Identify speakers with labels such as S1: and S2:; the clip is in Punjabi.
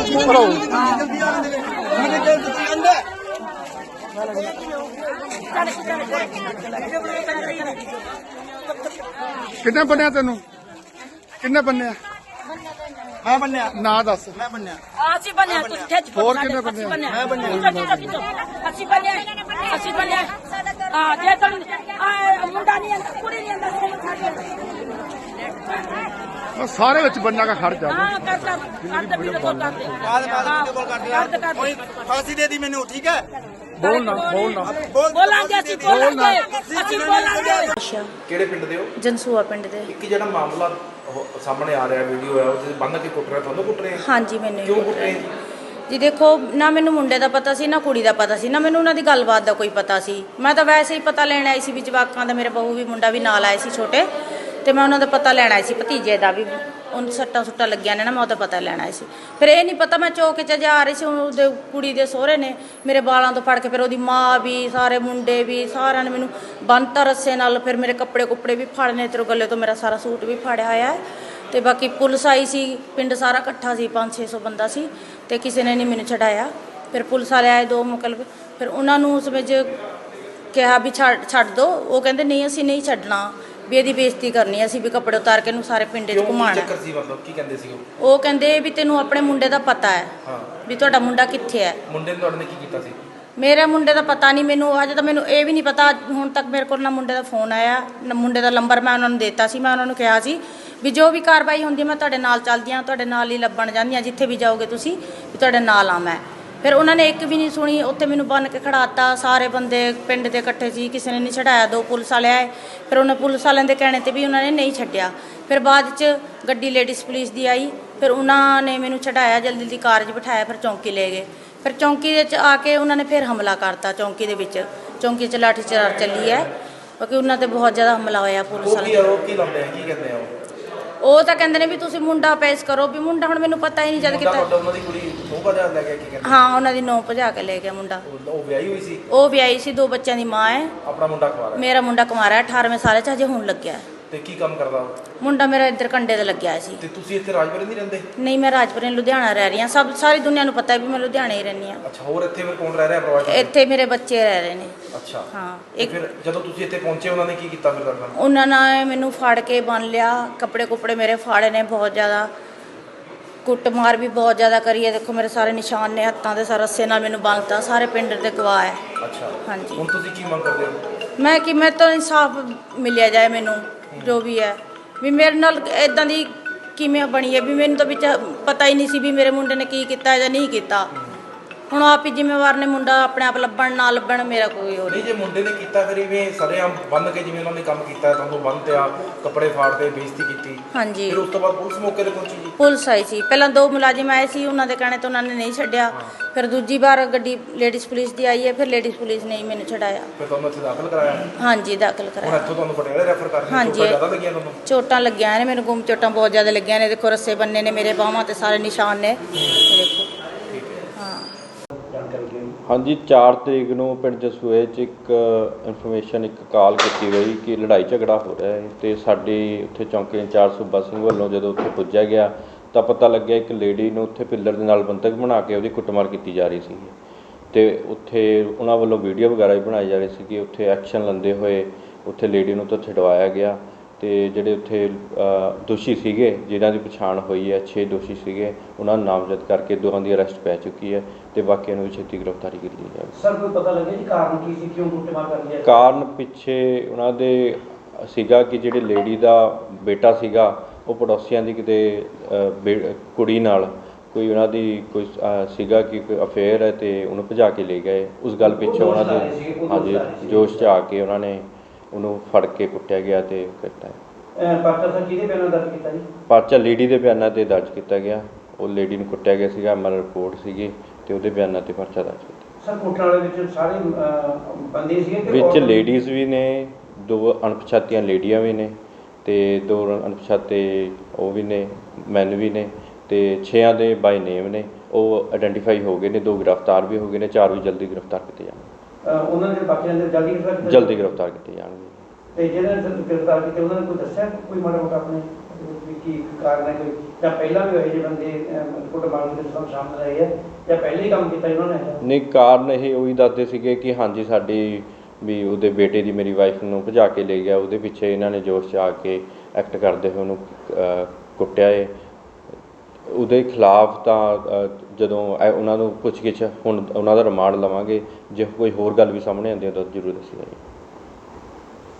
S1: किन्ने बनिया तेन किन्ने बनिया
S2: मैं बनया
S1: ना दस
S2: मैं बनया
S3: ਅਸੀਂ ਬਣਿਆ ਤੁਸੀਂ ਖਿੱਚ
S1: ਹੋਰ ਕਿੰਨੇ ਬੰਦੇ ਆ?
S2: मैं बनया
S3: ਅਸੀਂ ਬਣਿਆ ਹਾਂ ਜੇ ਤਾਂ ਮੁੰਡਾ ਨਹੀਂ ਆਂਦਾ ਕੁੜੀ ਨਹੀਂ ਆਂਦਾ
S1: सारे विच बनना का खर्च आ
S3: ਹਾਂ ਕਰਦਾ ਵੀਡੀਓ ਕਾਲ ਕਰਦੇ
S2: बाद वीडियो कॉल कर दिया कोई फांसी दे दी मैंने ठीक है
S1: बोलना बोलना
S3: ਬੋਲਾਂਗੇ ਅਸੀਂ ਬੋਲਾਂਗੇ
S4: ਕਿਹੜੇ ਪਿੰਡ ਦੇ ਹੋ?
S5: ਜਨਸੂਆ ਪਿੰਡ ਦੇ।
S4: ਇੱਕ ਜਿਹੜਾ ਮਾਮਲਾ ਸਾਹਮਣੇ ਆ ਰਿਹਾ ਵੀਡੀਓ ਹੈ ਉਹ ਬੰਨ ਕੇ ਕੁੱਟ ਰਿਹਾ ਤੁਹਾਨੂੰ ਕੁੱਟ ਰਹੇ
S5: ਹਾਂਜੀ ਮੈਨੂੰ
S4: ਕਿਉਂ ਕੁੱਟ ਰਹੇ
S5: ਜੀ ਦੇਖੋ ਨਾ ਮੈਨੂੰ ਮੁੰਡੇ ਦਾ ਪਤਾ ਸੀ ਨਾ ਕੁੜੀ ਦਾ ਪਤਾ ਸੀ ਨਾ ਮੈਨੂੰ ਉਹਨਾਂ ਦੀ ਗੱਲਬਾਤ ਦਾ ਕੋਈ ਪਤਾ ਸੀ। ਮੈਂ ਤਾਂ ਵੈਸੇ ਹੀ ਪਤਾ ਲੈਣ ਆਈ ਸੀ ਵੀ ਜਵਾਕਾਂ ਦਾ ਮੇਰੇ ਬਹੂ ਵੀ ਮੁੰਡਾ ਵੀ ਨਾਲ ਆਏ ਸੀ ਛੋਟੇ ਤੇ ਮੈਂ ਉਹਨਾਂ ਦਾ ਪਤਾ ਲੈਣ ਆਈ ਸੀ ਭਤੀਜੇ ਦਾ ਵੀ ਉਹਨੂੰ ਸੱਟਾਂ ਸੁੱਟਾਂ ਲੱਗੀਆਂ ਨੇ ਨਾ ਮੈਂ ਉਹਦਾ ਪਤਾ ਲੈਣ ਆਈ ਸੀ। ਫਿਰ ਇਹ ਨਹੀਂ ਪਤਾ ਮੈਂ ਚੌਕ 'ਚ ਜਾ ਰਹੀ ਸੀ ਉਹਦੇ ਕੁੜੀ ਦੇ ਸਹੁਰੇ ਨੇ ਮੇਰੇ ਬਾਲਾਂ ਤੋਂ ਫੜ ਕੇ ਫਿਰ ਉਹਦੀ ਮਾਂ ਵੀ ਸਾਰੇ ਮੁੰਡੇ ਵੀ ਸਾਰਿਆਂ ਨੇ ਮੈਨੂੰ ਬੰਨ੍ਹਤਾ ਰੱਸੇ ਨਾਲ। ਫਿਰ ਮੇਰੇ ਕੱਪੜੇ ਕੁੱਪੜੇ ਵੀ ਫੜਨੇ ਤੇਰੇ ਗੱਲੇ ਤੋਂ ਮੇਰਾ ਸਾਰਾ ਸੂਟ ਵੀ ਫੜਿਆ ਹੋਇਆ ਹੈ ਤੇ ਬਾਕੀ ਪੁਲਿਸ ਆਈ ਸੀ ਪਿੰਡ ਸਾਰਾ ਇਕੱਠਾ ਸੀ 500-600 ਬੰਦਾ ਸੀ ਤੇ ਕਿਸੇ ਨੇ ਨਹੀਂ ਮੈਨੂੰ ਛਡਾਇਆ। ਫਿਰ ਪੁਲਿਸ ਵਾਲੇ ਆਏ ਦੋ ਮੁਕਲਬ ਫਿਰ ਉਹਨਾਂ ਨੂੰ ਉਸ ਵਿੱਚ ਕਿਹਾ ਵੀ ਛੱਡ ਦਿਓ। ਉਹ ਕਹਿੰਦੇ ਨਹੀਂ ਅਸੀਂ ਨਹੀਂ ਛੱਡਣਾ ਵੀ ਇਹਦੀ ਬੇਇੱਜ਼ਤੀ ਕਰਨੀ ਅਸੀਂ ਵੀ ਕੱਪੜੇ ਉਤਾਰ ਕੇ ਇਹਨੂੰ ਸਾਰੇ ਪਿੰਡ 'ਚ ਘੁਮਾਉਣਾ।
S4: ਚੱਕਰ ਸੀ ਮਤਲਬ ਕੀ ਕਹਿੰਦੇ ਸੀ
S5: ਉਹ ਕਹਿੰਦੇ ਵੀ ਤੈਨੂੰ ਆਪਣੇ ਮੁੰਡੇ ਦਾ ਪਤਾ ਹੈ ਵੀ ਤੁਹਾਡਾ ਮੁੰਡਾ ਕਿੱਥੇ ਹੈ।
S4: ਮੁੰਡੇ ਨੇ ਤੁਹਾਡੇ ਨੇ ਕੀ ਕੀਤਾ ਸੀ?
S5: ਮੇਰੇ ਮੁੰਡੇ ਦਾ ਪਤਾ ਨਹੀਂ ਮੈਨੂੰ ਅਜੇ ਤਾਂ ਮੈਨੂੰ ਇਹ ਵੀ ਨਹੀਂ ਪਤਾ ਹੁਣ ਤੱਕ ਮੇਰੇ ਕੋਲ ਨਾ ਮੁੰਡੇ ਦਾ ਫੋਨ ਆਇਆ ਨਾ ਮੁੰਡੇ ਦਾ ਨੰਬਰ ਮੈਂ ਉਹਨਾਂ ਨੂੰ ਦਿੱਤਾ ਸੀ। ਮੈਂ ਉਹਨਾਂ ਨੂੰ ਕਿਹਾ ਸੀ ਵੀ ਜੋ ਵੀ ਕਾਰਵਾਈ ਹੁੰਦੀ ਮੈਂ ਤੁਹਾਡੇ ਨਾਲ ਚੱਲਦੀ ਹਾਂ ਤੁਹਾਡੇ ਨਾਲ ਹੀ ਲੱਭਣ ਜਾਂਦੀ ਹਾਂ ਜਿੱਥੇ ਵੀ ਜਾਓਗੇ ਤੁਸੀਂ ਵੀ ਤੁਹਾਡੇ ਨਾਲ ਆ ਮੈਂ। ਫਿਰ ਉਹਨਾਂ ਨੇ ਇੱਕ ਵੀ ਨਹੀਂ ਸੁਣੀ ਉੱਥੇ ਮੈਨੂੰ ਬੰਨ੍ਹ ਕੇ ਖੜਾਤਾ ਸਾਰੇ ਬੰਦੇ ਪਿੰਡ ਦੇ ਇਕੱਠੇ ਸੀ ਕਿਸੇ ਨੇ ਨਹੀਂ ਛਡਾਇਆ। ਦੋ ਪੁਲਿਸ ਵਾਲੇ ਆਏ ਫਿਰ ਉਹਨਾਂ ਪੁਲਿਸ ਵਾਲਿਆਂ ਦੇ ਕਹਿਣੇ 'ਤੇ ਵੀ ਉਹਨਾਂ ਨੇ ਨਹੀਂ ਛੱਡਿਆ। ਫਿਰ ਬਾਅਦ 'ਚ ਗੱਡੀ ਲੇਡੀਜ਼ ਪੁਲਿਸ ਦੀ ਆਈ ਫਿਰ ਉਹਨਾਂ ਨੇ ਮੈਨੂੰ ਛਡਾਇਆ ਜਲਦੀ ਜਲਦੀ ਕਾਰ 'ਚ ਬਿਠਾਇਆ ਫਿਰ ਚੌਂਕੀ ਲੈ ਗਏ। ਫਿਰ ਚੌਂਕੀ ਦੇ 'ਚ ਆ ਕੇ ਉਹਨਾਂ ਨੇ ਫਿਰ ਹਮਲਾ ਕਰਤਾ ਚੌਂਕੀ ਦੇ ਵਿੱਚ। ਚੌਂਕੀ 'ਚ ਲਾਠੀ ਚਾਰਜ ਚੱਲੀ ਹੈ ਕਿਉਂਕਿ ਉਹਨਾਂ 'ਤੇ ਬਹੁਤ ਜ਼ਿਆਦਾ ਹਮਲਾ ਹੋਇਆ ਪੁਲਿਸ ਵਾਲਿਆਂ
S4: ਉਹ ਕੀ ਲਾਉਂਦੇ ਆ ਕੀ ਕਹਿੰਦੇ ਆ
S5: ਉਹ ਤਾਂ ਕਹਿੰਦੇ ਨੇ ਵੀ ਤੁਸੀਂ ਮੁੰਡਾ ਪੇਸ਼ ਕਰੋ ਵੀ ਮੁੰਡਾ ਹੁਣ ਮੈਨੂੰ ਪਤਾ ਹੀ ਨਹੀਂ ਜਦ ਕਿਤਾ
S4: ਉਹਨਾਂ ਦੀ ਕੁੜੀ ਨੌ ਵਜੇ ਲੈ ਗਿਆ ਕੀ ਕਹਿੰਦੇ?
S5: ਹਾਂ ਉਹਨਾਂ ਦੀ ਨੌ ਭਜਾ ਕੇ ਲੈ ਗਿਆ ਮੁੰਡਾ।
S4: ਉਹ ਵਿਆਹੀ ਹੋਈ ਸੀ?
S5: ਉਹ ਵਿਆਹੀ ਸੀ ਦੋ ਬੱਚਿਆਂ ਦੀ ਮਾਂ ਹੈ।
S4: ਆਪਣਾ ਮੁੰਡਾ ਕੁਆਰਾ ਹੈ?
S5: ਮੇਰਾ ਮੁੰਡਾ ਕੁਮਾਰਾ 18ਵੇਂ ਸਾਲ 'ਚ ਹਜੇ ਹੁਣ ਲੱਗਿਆ।
S4: ਤੇ ਕੀ ਕੰਮ ਕਰਦਾ ਉਹ?
S5: ਮੁੰਡਾ ਮੇਰਾ ਇੱਧਰ ਕੰਡੇ ਤੇ ਲੱਗਿਆ ਸੀ।
S4: ਤੇ ਤੁਸੀਂ ਇੱਥੇ ਰਾਜਪੁਰੇ ਨਹੀਂ ਰਹਿੰਦੇ?
S5: ਨਹੀਂ ਮੈਂ ਰਾਜਪੁਰੇ ਲੁਧਿਆਣਾ ਰਹਿ ਰਹੀ ਹਾਂ ਸਾਰੀ ਦੁਨੀਆ ਨੂੰ ਪਤਾ ਹੈ ਵੀ ਮੈਂ ਲੁਧਿਆਣੇ ਹੀ ਰਹਿੰਦੀ ਹਾਂ।
S4: ਅੱਛਾ ਹੋਰ ਇੱਥੇ ਫਿਰ ਕੌਣ ਰਹਿ ਰਿਹਾ ਪਰਿਵਾਰ 'ਚ?
S5: ਇੱਥੇ ਮੇਰੇ ਬੱਚੇ ਰਹਿ ਰਹੇ ਨੇ।
S4: ਅੱਛਾ
S5: ਹਾਂ
S4: ਇੱਕ ਫਿਰ ਜਦੋਂ ਤੁਸੀਂ ਇੱਥੇ ਪਹੁੰਚੇ ਉਹਨਾਂ ਨੇ ਕੀ ਕੀਤਾ ਫਿਰ ਤੁਹਾਡੇ ਨਾਲ?
S5: ਉਹਨਾਂ ਨੇ ਮੈਨੂੰ ਫੜ ਕੇ ਬੰਨ ਲਿਆ ਕੱਪੜੇ ਕੁੱਪੜੇ ਮੇਰੇ ਫਾੜੇ ਨੇ ਬਹੁਤ ਜ਼ਿਆਦਾ ਕੁੱਟਮਾਰ ਵੀ ਬਹੁਤ ਜ਼ਿਆਦਾ ਕਰੀ ਹੈ। ਦੇਖੋ ਮੇਰੇ ਸਾਰੇ ਨਿਸ਼ਾਨ ਨੇ ਹੱਥਾਂ ਦੇ ਸਾਰੇ ਰੱਸੇ ਨਾਲ ਮੈਨੂੰ ਬੰਨ੍ਹਤਾ ਸਾਰੇ ਪਿੰਡ ਦੇ ਗਵਾਹ ਹੈ।
S4: ਅੱਛਾ
S5: ਹਾਂਜੀ
S4: ਹੁਣ ਤੁਸੀਂ ਕੀ ਮੰਗ ਕਰਦੇ ਹੋ?
S5: ਮੈਂ ਕਿ ਮੈਂ ਤਾਂ ਇਨਸਾਫ ਮਿਲਿਆ ਜਾਏ ਮੈਨੂੰ ਜੋ ਵੀ ਹੈ ਵੀ ਮੇਰੇ ਨਾਲ ਇਦਾਂ ਦੀ ਕਿਵੇਂ ਬਣੀ ਹੈ ਵੀ ਮੈਨੂੰ ਤਾਂ ਵਿੱਚ ਪਤਾ ਹੀ ਨਹੀਂ ਸੀ ਵੀ ਮੇਰੇ ਮੁੰਡੇ ਨੇ ਕੀ ਕੀਤਾ ਜਾਂ ਨਹੀਂ ਕੀਤਾ। ਹੁਣ ਆਪ ਹੀ ਜ਼ਿੰਮੇਵਾਰ ਨੇ ਮੁੰਡਾ ਆਪਣੇ ਆਪ ਲੱਭਣ ਨਾ ਲੱਭਣ ਮੇਰਾ ਕੋਈ ਹੋਰ
S4: ਨਹੀਂ। ਜੇ ਮੁੰਡੇ ਨੇ ਕੀਤਾ ਫਿਰ ਇਵੇਂ ਸਰੇਆਮ ਬੰਨ ਕੇ ਜਿਵੇਂ ਉਹਨਾਂ ਨੇ ਕੰਮ ਕੀਤਾ ਤੁਹਾਨੂੰ ਬੰਨ੍ਹਤਿਆ ਕੱਪੜੇ ਫਾੜਦੇ ਬੇਇੱਜ਼ਤੀ ਕੀਤੀ।
S5: ਹਾਂਜੀ
S4: ਫਿਰ ਉਸ ਤੋਂ ਬਾਅਦ ਪੁਲਿਸ ਮੌਕੇ ਤੇ ਪਹੁੰਚੀ ਜੀ?
S5: ਪੁਲਿਸ ਆਈ ਸੀ ਪਹਿਲਾਂ ਦੋ ਮੁਲਾਜ਼ਮ ਆਏ ਸੀ ਉਹਨਾਂ ਦੇ ਕਹਿਣੇ ਤੋਂ ਉਹਨਾਂ ਨੇ ਨਹੀਂ ਛੱਡਿਆ। ਫਿਰ ਦੂਜੀ ਵਾਰ ਗੱਡੀ ਲੇਡੀਜ਼ ਪੁਲਿਸ ਦੀ ਆਈ ਹੈ ਫਿਰ ਲੇਡੀਜ਼ ਪੁਲਿਸ ਨੇ ਹੀ ਮੈਨੂੰ ਛਡਾਇਆ।
S4: ਫਿਰ ਤੁਹਾਨੂੰ ਇੱਥੇ ਦਾਖਲ ਕਰਾਇਆ?
S5: ਹਾਂਜੀ ਦਾਖਲ
S4: ਹੁਣ
S5: ਕਰਾਇਆ।
S4: ਇੱਥੋਂ ਤੁਹਾਨੂੰ ਪਟਿਆਲੇ ਰੈਫਰ ਕਰ ਰਹੇ
S5: ਹਾਂਜੀ।
S4: ਚੋਟਾਂ ਜ਼ਿਆਦਾ ਲੱਗੀਆਂ ਤੁਹਾਨੂੰ?
S5: ਚੋਟਾਂ ਲੱਗੀਆਂ ਨੇ ਮੈਨੂੰ ਗੁੰਮ ਚੋਟਾਂ ਬਹੁਤ ਜ਼ਿਆਦਾ ਲੱਗੀਆਂ ਨੇ। ਦੇਖੋ ਰੱਸੇ ਬੰਨੇ ਨੇ ਮੇਰੇ ਬਾਹਾਂ ਤੇ ਸਾਰੇ ਨਿਸ਼ਾਨ ਨੇ ਦੇਖੋ। ਹਾਂ
S6: ਹਾਂਜੀ 4 ਤਰੀਕ ਨੂੰ ਪਿੰਡ ਜਸੂਏ 'ਚ ਇੱਕ ਇਨਫੋਰਮੇਸ਼ਨ ਇੱਕ ਕਾਲ ਕੀਤੀ ਗਈ ਕਿ ਲੜਾਈ ਝਗੜਾ ਹੋ ਰਿਹਾ ਹੈ ਤੇ ਸਾਡੀ ਉੱਥੇ ਚੌਂਕੀ ਇੰਚਾਰਜ ਸੂਬਾ ਸਿੰਘ ਵੱਲੋਂ ਜਦੋਂ ਉੱਥੇ ਪੁੱਜਿਆ ਗਿਆ ਤਾਂ ਪਤਾ ਲੱਗਿਆ ਇੱਕ ਲੇਡੀ ਨੂੰ ਉੱਥੇ ਪਿੱਲਰ ਦੇ ਨਾਲ ਬੰਧਕ ਬਣਾ ਕੇ ਉਹਦੀ ਕੁੱਟਮਾਰ ਕੀਤੀ ਜਾ ਰਹੀ ਸੀ ਤੇ ਉੱਥੇ ਉਹਨਾਂ ਵੱਲੋਂ ਵੀਡੀਓ ਵਗੈਰਾ ਵੀ ਬਣਾਈ ਜਾ ਰਹੀ ਸੀ ਕਿ ਉੱਥੇ ਐਕਸ਼ਨ ਲੈਂਦੇ ਹੋਏ ਉੱਥੇ ਲੇਡੀ ਨੂੰ ਤਾਂ ਛਡਵਾਇਆ ਗਿਆ ਤੇ ਜਿਹੜੇ ਉੱਥੇ ਦੋਸ਼ੀ ਸੀਗੇ ਜਿਨ੍ਹਾਂ ਦੀ ਪਛਾਣ ਹੋਈ ਹੈ 6 ਦੋਸ਼ੀ ਸੀਗੇ ਉਹਨਾਂ ਨੂੰ ਨਾਮਜ਼ਦ ਕਰਕੇ ਦੋਹਾਂ ਦੀ ਅਰੈਸਟ ਪੈ ਚੁੱਕੀ ਹੈ ਤੇ ਬਾਕੀਆਂ ਨੂੰ ਵੀ ਛੇਤੀ ਗ੍ਰਿਫਤਾਰੀ ਕੀਤੀ ਜਾਵੇ।
S7: ਸਰ ਕੋਈ ਪਤਾ ਲੱਗਿਆ ਜੀ ਕਾਰਨ ਕੀ ਸੀ ਕਿਉਂ ਕੁੱਟਮਾਰ ਕਰਦੀ ਹੈ?
S6: ਕਾਰਨ ਪਿੱਛੇ ਉਹਨਾਂ ਦੇ ਸੀਗਾ ਕਿ ਜਿਹੜੇ ਲੇਡੀ ਦਾ ਬੇਟਾ ਸੀਗਾ ਉਹ ਪੜੋਸੀਆਂ ਦੀ ਕਿਤੇ ਕੁੜੀ ਨਾਲ ਕੋਈ ਉਹਨਾਂ ਦੀ ਕੋਈ ਸੀਗਾ ਕਿ ਕੋਈ ਅਫੇਅਰ ਹੈ ਤੇ ਉਹਨੂੰ ਭਜਾ ਕੇ ਲੈ ਗਏ। ਉਸ ਗੱਲ ਪਿੱਛੇ ਉਹਨਾਂ ਦੇ ਹਾਂਜੀ ਜੋਸ਼ 'ਚ ਆ ਕੇ ਉਹਨਾਂ ਨੇ ਉਹਨੂੰ ਫੜ ਕੇ ਕੁੱਟਿਆ ਗਿਆ ਤੇ ਕੀਤਾ।
S7: ਪਰਚਾ ਸਰ ਕਿਹਦੇ ਬਿਆਨਾਂ ਦਰਜ ਕੀਤਾ ਜੀ?
S6: ਪਰਚਾ ਲੇਡੀ ਦੇ ਬਿਆਨਾਂ 'ਤੇ ਦਰਜ ਕੀਤਾ ਗਿਆ। ਉਹ ਲੇਡੀ ਨੂੰ ਕੁੱਟਿਆ ਗਿਆ ਸੀਗਾ ਐਮਐਲ ਰਿਪੋਰਟ ਸੀਗੀ ਤੇ ਉਹਦੇ ਬਿਆਨਾਂ 'ਤੇ ਪਰਚਾ ਦਰਜ ਕੀਤਾ।
S7: ਸਰ ਕੁੱਟਣ ਵਾਲੇ ਵਿੱਚ ਸਾਰੇ ਬੰਦੇ ਸੀਗੇ ਕਿ
S6: ਵਿੱਚ ਲੇਡੀਜ਼ ਵੀ ਨੇ 2 ਅਣਪਛਾਤੀਆਂ ਲੇਡੀਆਂ ਵੀ ਨੇ ਤੇ 2 ਅਣਪਛਾਤੇ ਉਹ ਵੀ ਨੇ ਮੈਨ ਵੀ ਨੇ ਤੇ 6 ਦੇ ਬਾਈ ਨੇਮ ਨੇ ਉਹ ਆਇਡੈਂਟੀਫਾਈ ਹੋ ਗਏ ਨੇ। 2 ਗ੍ਰਿਫਤਾਰ ਵੀ ਹੋ ਗਏ ਨੇ 4 ਵੀ ਜਲਦੀ ਗ੍ਰਿਫਤਾਰ ਕੀਤੇ ਜਾਣਗੇ।
S7: ਉਹਨਾਂ ਦੇ ਬਾਕੀਆਂ ਦੇ
S6: ਜਲਦੀ ਗ੍ਰਿਫਤਾਰ ਕੀਤੇ ਜਾਣਗੇ।
S7: ਤੇ ਜਿਹੜੇ ਗ੍ਰਿਫਤਾਰ ਕੀਤੇ ਉਹਨਾਂ ਨੇ ਕੋਈ ਦੱਸਿਆ ਕੋਈ ਮਾੜਾ ਮੋਟਾ ਆਪਣੇ ਵੀ ਕੀ ਕਾਰਨ ਹੈ ਕੋਈ, ਜਾਂ ਪਹਿਲਾਂ ਵੀ ਇਹੋ ਜਿਹੇ ਬੰਦੇ ਕੁੱਟਮਾਰ ਦੇ ਵਿੱਚ ਸ਼ਾਮਲ ਰਹੇ ਹੈ, ਜਾਂ ਪਹਿਲੇ ਹੀ ਕੰਮ ਕੀਤਾ ਇਹਨਾਂ ਨੇ?
S6: ਨਹੀਂ, ਕਾਰਨ ਇਹ ਉਹੀ ਦੱਸਦੇ ਸੀਗੇ ਕਿ ਹਾਂਜੀ ਸਾਡੀ ਵੀ ਉਹਦੇ ਬੇਟੇ ਦੀ ਮੇਰੀ ਵਾਈਫ ਨੂੰ ਭਜਾ ਕੇ ਲੈ ਗਿਆ, ਉਹਦੇ ਪਿੱਛੇ ਇਹਨਾਂ ਨੇ ਜੋਸ਼ 'ਚ ਆ ਕੇ ਐਕਟ ਕਰਦੇ ਹੋਏ ਉਹਨੂੰ ਕੁੱਟਿਆ ਏ। ਉਹਦੇ ਖਿਲਾਫ ਤਾਂ ਜਦੋਂ ਉਹਨਾਂ ਨੂੰ ਪੁੱਛਗਿੱਛ ਹੁਣ ਉਹਨਾਂ ਦਾ ਰਿਮਾਂਡ ਲਵਾਂਗੇ, ਜੇ ਕੋਈ ਹੋਰ ਗੱਲ ਵੀ ਸਾਹਮਣੇ ਆਉਂਦੀ ਹੈ ਤਾਂ ਜ਼ਰੂਰ ਦੱਸੀ ਜਾਏਗੀ।